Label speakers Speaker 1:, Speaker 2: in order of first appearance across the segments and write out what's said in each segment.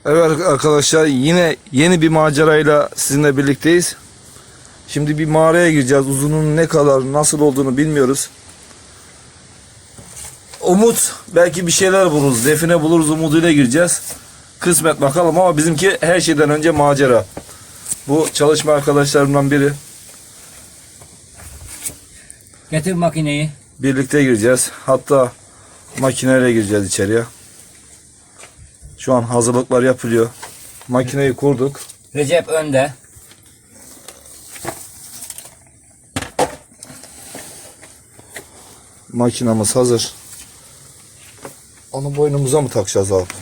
Speaker 1: Evet arkadaşlar, yine yeni bir macerayla sizinle birlikteyiz. Şimdi bir mağaraya gireceğiz. Uzunluğunun ne kadar, nasıl olduğunu bilmiyoruz. Umut, belki bir şeyler buluruz. Define buluruz umuduyla gireceğiz. Kısmet bakalım, ama bizimki her şeyden önce macera. Bu çalışma arkadaşlarımdan biri.
Speaker 2: Getir makineyi.
Speaker 1: Birlikte gireceğiz. Hatta makineyle gireceğiz içeriye. Şu an hazırlıklar yapılıyor. Makineyi kurduk.
Speaker 2: Recep önde.
Speaker 1: Makinamız hazır. Onu boynumuza mı takacağız abi?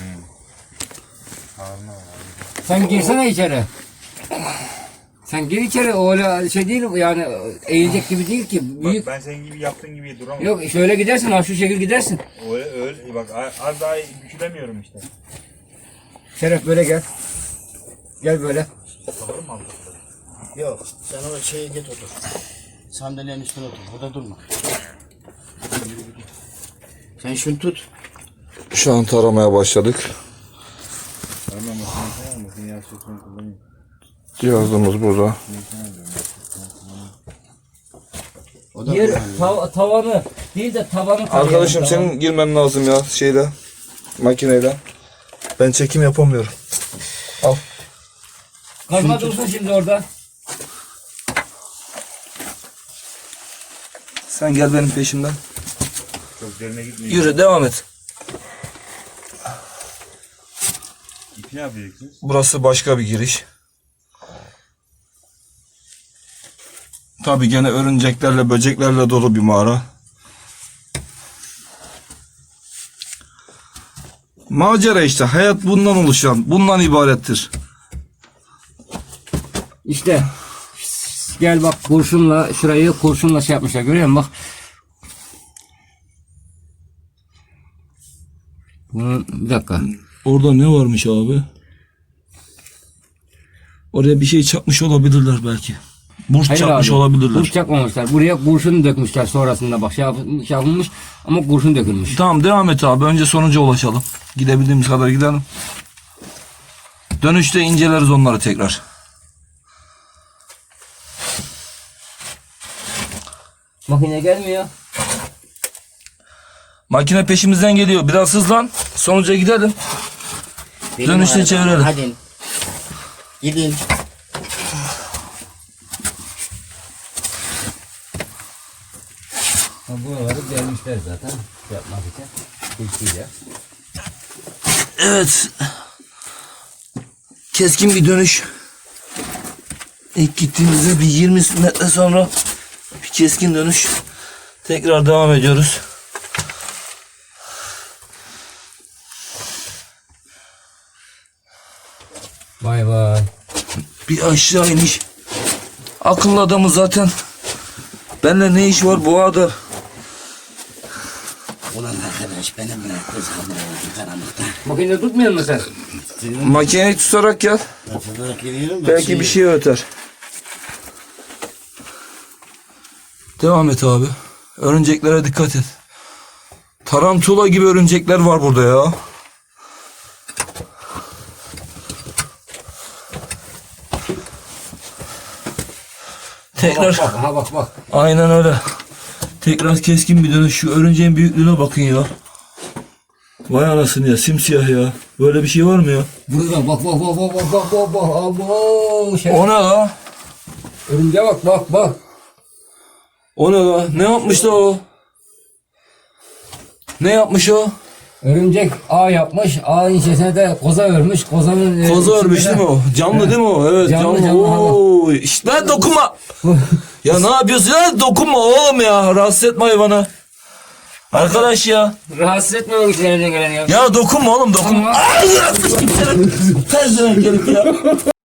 Speaker 2: Sen girsene içeri. Sen gir içeri, öyle şey değil yani, eğilecek gibi değil ki. Büyük.
Speaker 3: Bak, ben senin gibi yaptığın gibi duramam.
Speaker 2: Yok, şöyle gidersin, ha şu şekil gidersin.
Speaker 3: Öyle bak, az daha bükülemiyorum işte.
Speaker 2: Şeref böyle gel. Gel böyle.
Speaker 3: Kalır mı abi?
Speaker 4: Yok, sen o şeye git otur. Sandalyenin üstüne otur, burada durma. Sen şunu tut.
Speaker 1: Şu an taramaya başladık. Cihazımız burada.
Speaker 4: O da
Speaker 2: Yer tavanı değil de tavanı tarayalım.
Speaker 1: Arkadaşım,
Speaker 2: Tavanı.
Speaker 1: senin girmen lazım ya şeyle, makineyle. Ben çekim yapamıyorum. Al.
Speaker 2: Kazma dursun şimdi orada.
Speaker 1: Sen gel benim peşimden.
Speaker 3: Çok derine gitmeyin.
Speaker 1: Yürü, devam et.
Speaker 3: İpi ne yapacaksınız?
Speaker 1: Burası başka bir giriş. Tabii gene örümceklerle, böceklerle dolu bir mağara. Macera işte. Hayat bundan oluşan, bundan ibarettir.
Speaker 2: İşte gel bak, kurşunla şurayı kurşunla şey yapmışlar, görüyor musun bak. Bunu bir dakika.
Speaker 1: Orada ne varmış abi? Oraya bir şey çakmış olabilirler belki. Burç
Speaker 2: Hayır
Speaker 1: çakmış
Speaker 2: abi,
Speaker 1: olabilirler.
Speaker 2: Kurş çakmamışlar. Buraya kurşun dökmüşler sonrasında, bak şey yapılmış ama kurşun dökülmüş.
Speaker 1: Tamam, devam et abi. Önce sonuca ulaşalım. Gidebildiğimiz kadar gidelim. Dönüşte inceleriz onları tekrar.
Speaker 2: Makine gelmiyor.
Speaker 1: Makine peşimizden geliyor. Biraz hızlan. Sonuca gidelim. Dönüşte çevirelim.
Speaker 4: Hadi. Gidin.
Speaker 2: Buraları gelmişler zaten yapmak için. Tilkiyle.
Speaker 1: Evet. Keskin bir dönüş. İlk gittiğimizde bir 20 metre sonra bir keskin dönüş. Tekrar devam ediyoruz.
Speaker 2: Vay vay.
Speaker 1: Bir aşağı iniş. Akıllı adamı zaten. Benimle ne iş var bu ağda?
Speaker 4: Ulan arkadaş, benim kız hamile oldu karanlıkta.
Speaker 2: Makine tutmuyor musun sen?
Speaker 1: Makineyi tutarak gel.
Speaker 4: Tutarak gidiyorum da
Speaker 1: Belki bir şey öter. Devam et abi. Örümceklere dikkat et. Tarantula gibi örümcekler var burada ya. Tekrar.
Speaker 2: Bak, ha bak.
Speaker 1: Aynen öyle. Tekrar keskin bir dönüş. Şu örümceğin büyüklüğüne bakın ya. Vay anasını ya, simsiyah ya. Böyle bir şey var mı ya?
Speaker 2: Burada bak. Abo, şey.
Speaker 1: O ne la?
Speaker 2: Örümceğe bak.
Speaker 1: O ne la? Ne yapmış da o? Ne yapmış o?
Speaker 2: Örümcek ağ yapmış. Ağın içerisine de koza örmüş. Kozanın
Speaker 1: Koza örmüş
Speaker 2: içinde
Speaker 1: değil mi o? Canlı değil mi o? Evet,
Speaker 2: Canlı,
Speaker 1: canlı.
Speaker 2: canlı.
Speaker 1: Oo, işte lan dokunma. Ya ne yapıyorsun ya? Dokunma oğlum ya. Rahatsız etme hayvanı. Arkadaş ya.
Speaker 2: Rahatsız etmiyor içlerinden gelen ya.
Speaker 1: Ya dokunma oğlum, dokunma.
Speaker 2: Tamam.
Speaker 1: Ters dönen gelip ya.